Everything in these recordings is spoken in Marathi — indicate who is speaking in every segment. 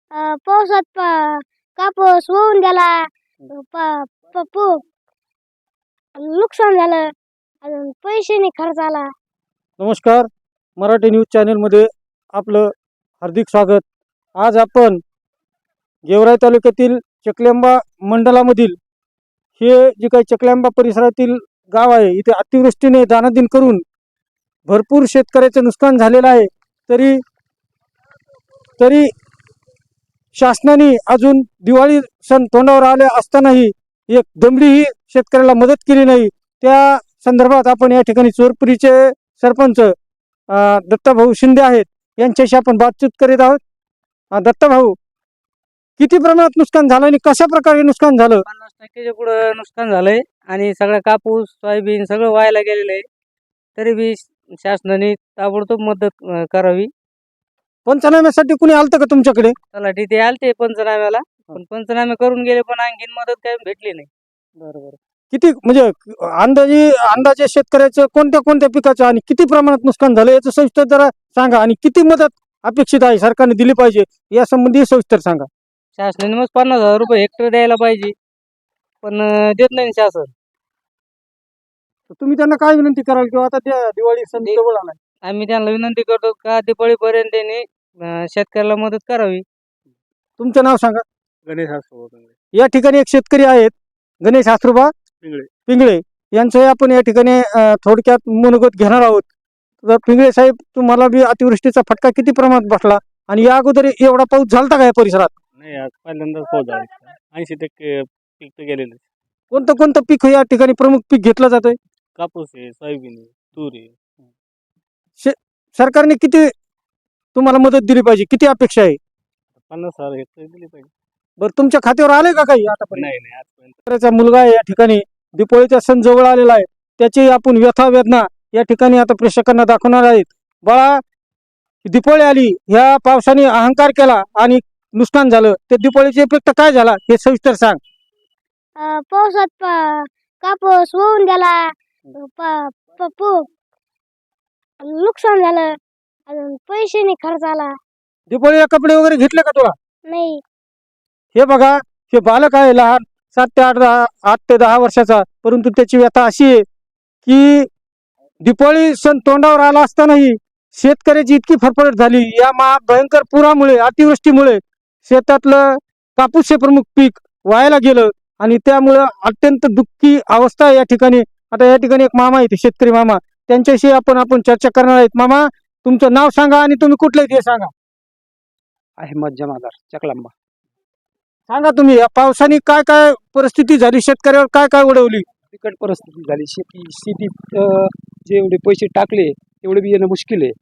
Speaker 1: पावसात कापूस वाहून गेला. नुकसान झालं. अजून पैसे नाही खर्च आला.
Speaker 2: नमस्कार, मराठी न्यूज चॅनलमध्ये आपलं हार्दिक स्वागत. आज आपण गेवराई तालुक्यातील चकलेंबा मंडलामधील हे जे काही चकलेंबा परिसरातील गाव आहे, इथे अतिवृष्टीने दानादिन करून भरपूर शेतकऱ्याचं नुकसान झालेलं आहे. तरी शासनाने अजून दिवाळी सण तोंडावर आले असतानाही एक दमडीही शेतकऱ्याला मदत केली नाही. त्या संदर्भात आपण या ठिकाणी चोरपुरीचे सरपंच दत्ताभाऊ शिंदे आहेत, यांच्याशी आपण बातचीत करीत आहोत. दत्ताभाऊ, किती प्रमाणात नुकसान झालं आणि कशा प्रकारे नुकसान झालं?
Speaker 3: 50% पुढे नुकसान झालंय आणि सगळा कापूस सोयाबीन सगळं व्हायला गेलेलं आहे. तरी बी शासनाने ताबडतोब मदत करावी.
Speaker 2: पंचनाम्यासाठी कुणी आलतं का तुमच्याकडे?
Speaker 3: तलाठी ते आलते पंचनाम्याला, पण पंचनामे करून गेले, पण आणखीन मदत काही भेटली नाही.
Speaker 2: बरोबर. किती म्हणजे अंदाजे शेतकऱ्याचं कोणत्या कोणत्या पिकाचं आणि किती प्रमाणात नुकसान झालं याचं सविस्तर जरा सांगा, आणि किती मदत अपेक्षित आहे सरकारने दिली पाहिजे या संबंधी सविस्तर सांगा.
Speaker 3: शासनाने मग 50,000 रुपये हेक्टर द्यायला पाहिजे, पण देत नाही शासन.
Speaker 2: तर तुम्ही त्यांना काय विनंती कराल किंवा आता त्या दिवाळी सण जवळ आलाय?
Speaker 3: आम्ही त्यांना विनंती करतो का दिवाळीपर्यंत त्यांनी शेतकऱ्याला मदत करावी.
Speaker 2: तुमचं नाव सांगा.
Speaker 4: गणेश आसोबा
Speaker 2: या ठिकाणी एक शेतकरी आहेत, गणेश आसरुबा पिंगळे यांचं आपण या ठिकाणी थोडक्यात मनोगत घेणार आहोत. तर पिंगळे साहेब, तुम्हाला बी अतिवृष्टीचा फटका किती प्रमाणात बसला आणि या अगोदर एवढा पाऊस झालता का या परिसरात?
Speaker 4: नाही, आज पहिल्यांदाच पाऊस झाला. 80% पीक तर गेलेलं.
Speaker 2: कोणतं कोणतं पीक या ठिकाणी प्रमुख पीक घेतलं जातंय?
Speaker 4: कापूस आहे, सोयाबीन आहे, तूर आहे.
Speaker 2: सरकारने किती तुम्हाला मदत दिली पाहिजे, किती अपेक्षा आहे?
Speaker 4: 50,000 हेक्टर दिली पाहिजे.
Speaker 2: बरं, तुमच्या खात्यावर आले का काही आतापर्यंत?
Speaker 4: नाही आजपर्यंत.
Speaker 2: शेतकऱ्याचा मुलगा आहे या ठिकाणी, दिपोळीचा सण जवळ आलेला आहे, त्याची आपण व्यथा वेदना या ठिकाणी आता प्रेक्षकांना दाखवणार आहेत. बाळा, दिपोळी आली, ह्या पावसाने अहंकार केला आणि नुकसान झालं, ते दिपोळीचे इफेक्ट काय झाला हे सविस्तर सांग.
Speaker 1: पावसात कापूस वाहून गेला. नुकसान झालं. अजून पैसे नाही खर्च आला.
Speaker 2: दिपोळीला कपडे वगैरे घेतले का तुला?
Speaker 1: नाही.
Speaker 2: हे बघा, हे बालक आहे लहान, 8 ते 10 वर्षाचा, परंतु त्याची व्यथा अशी आहे की दिपोळी सण तोंडावर आला असतानाही शेतकऱ्याची इतकी फरफडट झाली या भयंकर पुरामुळे, अतिवृष्टीमुळे शेतातलं कापूस हे प्रमुख पीक वायाला गेलं आणि त्यामुळं अत्यंत दुःखी अवस्था आहे या ठिकाणी. आता या ठिकाणी एक मामा आहे, शेतकरी मामा, त्यांच्याशी आपण चर्चा करणार आहेत. मामा, तुमचं नाव सांगा आणि तुम्ही कुठले ते सांगा.
Speaker 5: अहमद जमादार, चकलांबा.
Speaker 2: सांगा तुम्ही, या पावसाने काय काय परिस्थिती झाली, शेतकऱ्यावर काय काय उडवली?
Speaker 5: बिकट परिस्थिती झाली. शेतीत जेवढे पैसे टाकले तेवढे बी येणं मुश्किल आहे.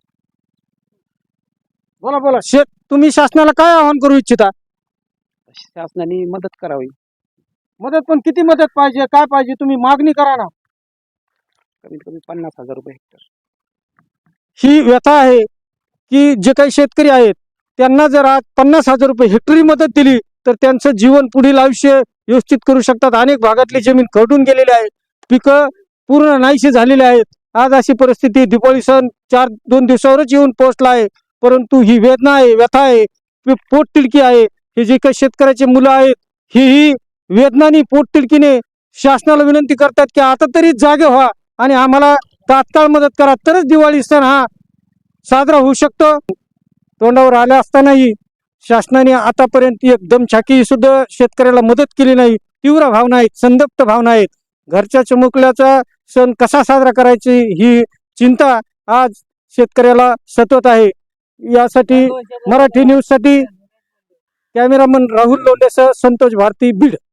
Speaker 2: बोला. तुम्ही शासनाला काय आवाहन करू इच्छिता?
Speaker 5: शासनाने मदत करावी.
Speaker 2: मदत पण किती मदत पाहिजे, काय पाहिजे, तुम्ही मागणी करा ना.
Speaker 5: कमीत कमी 50,000 रुपये हेक्टर.
Speaker 2: ही व्यथा आहे की जे काही शेतकरी आहेत त्यांना जर आज 50,000 रुपये हेक्टरी मदत दिली तर त्यांचं जीवन, पुढील आयुष्य व्यवस्थित करू शकतात. अनेक भागातली जमीन खरडून गेलेली आहे, पिकं पूर्ण नाहीशी झालेली आहेत. आज अशी परिस्थिती, दिवाळी सण 2 दिवसावरच येऊन पोहोचला आहे, परंतु ही वेदना आहे, व्यथा आहे, पोटतिडकी आहे. हे जे काही शेतकऱ्याचे मुलं आहेत, ही वेदनानी, पोटतिडकीने शासनाला विनंती करतात की आता तरी जागे व्हा आणि आम्हाला तात्काळ मदत करा, तरच दिवाळी सण हा साजरा होऊ शकतो. तोंडावर आल्या असतानाही शासनाने आतापर्यंत एक दमछाकी सुद्धा शेतकऱ्याला मदत केली नाही. तीव्र भावना आहेत, संतप्त भावना आहेत. घरच्या चिमुकल्याचा सण कसा साजरा करायची ही चिंता आज शेतकऱ्याला सतत आहे. यासाठी मराठी न्यूज साठी कॅमेरामन राहुल लोंढेसह संतोष भारती, बीड.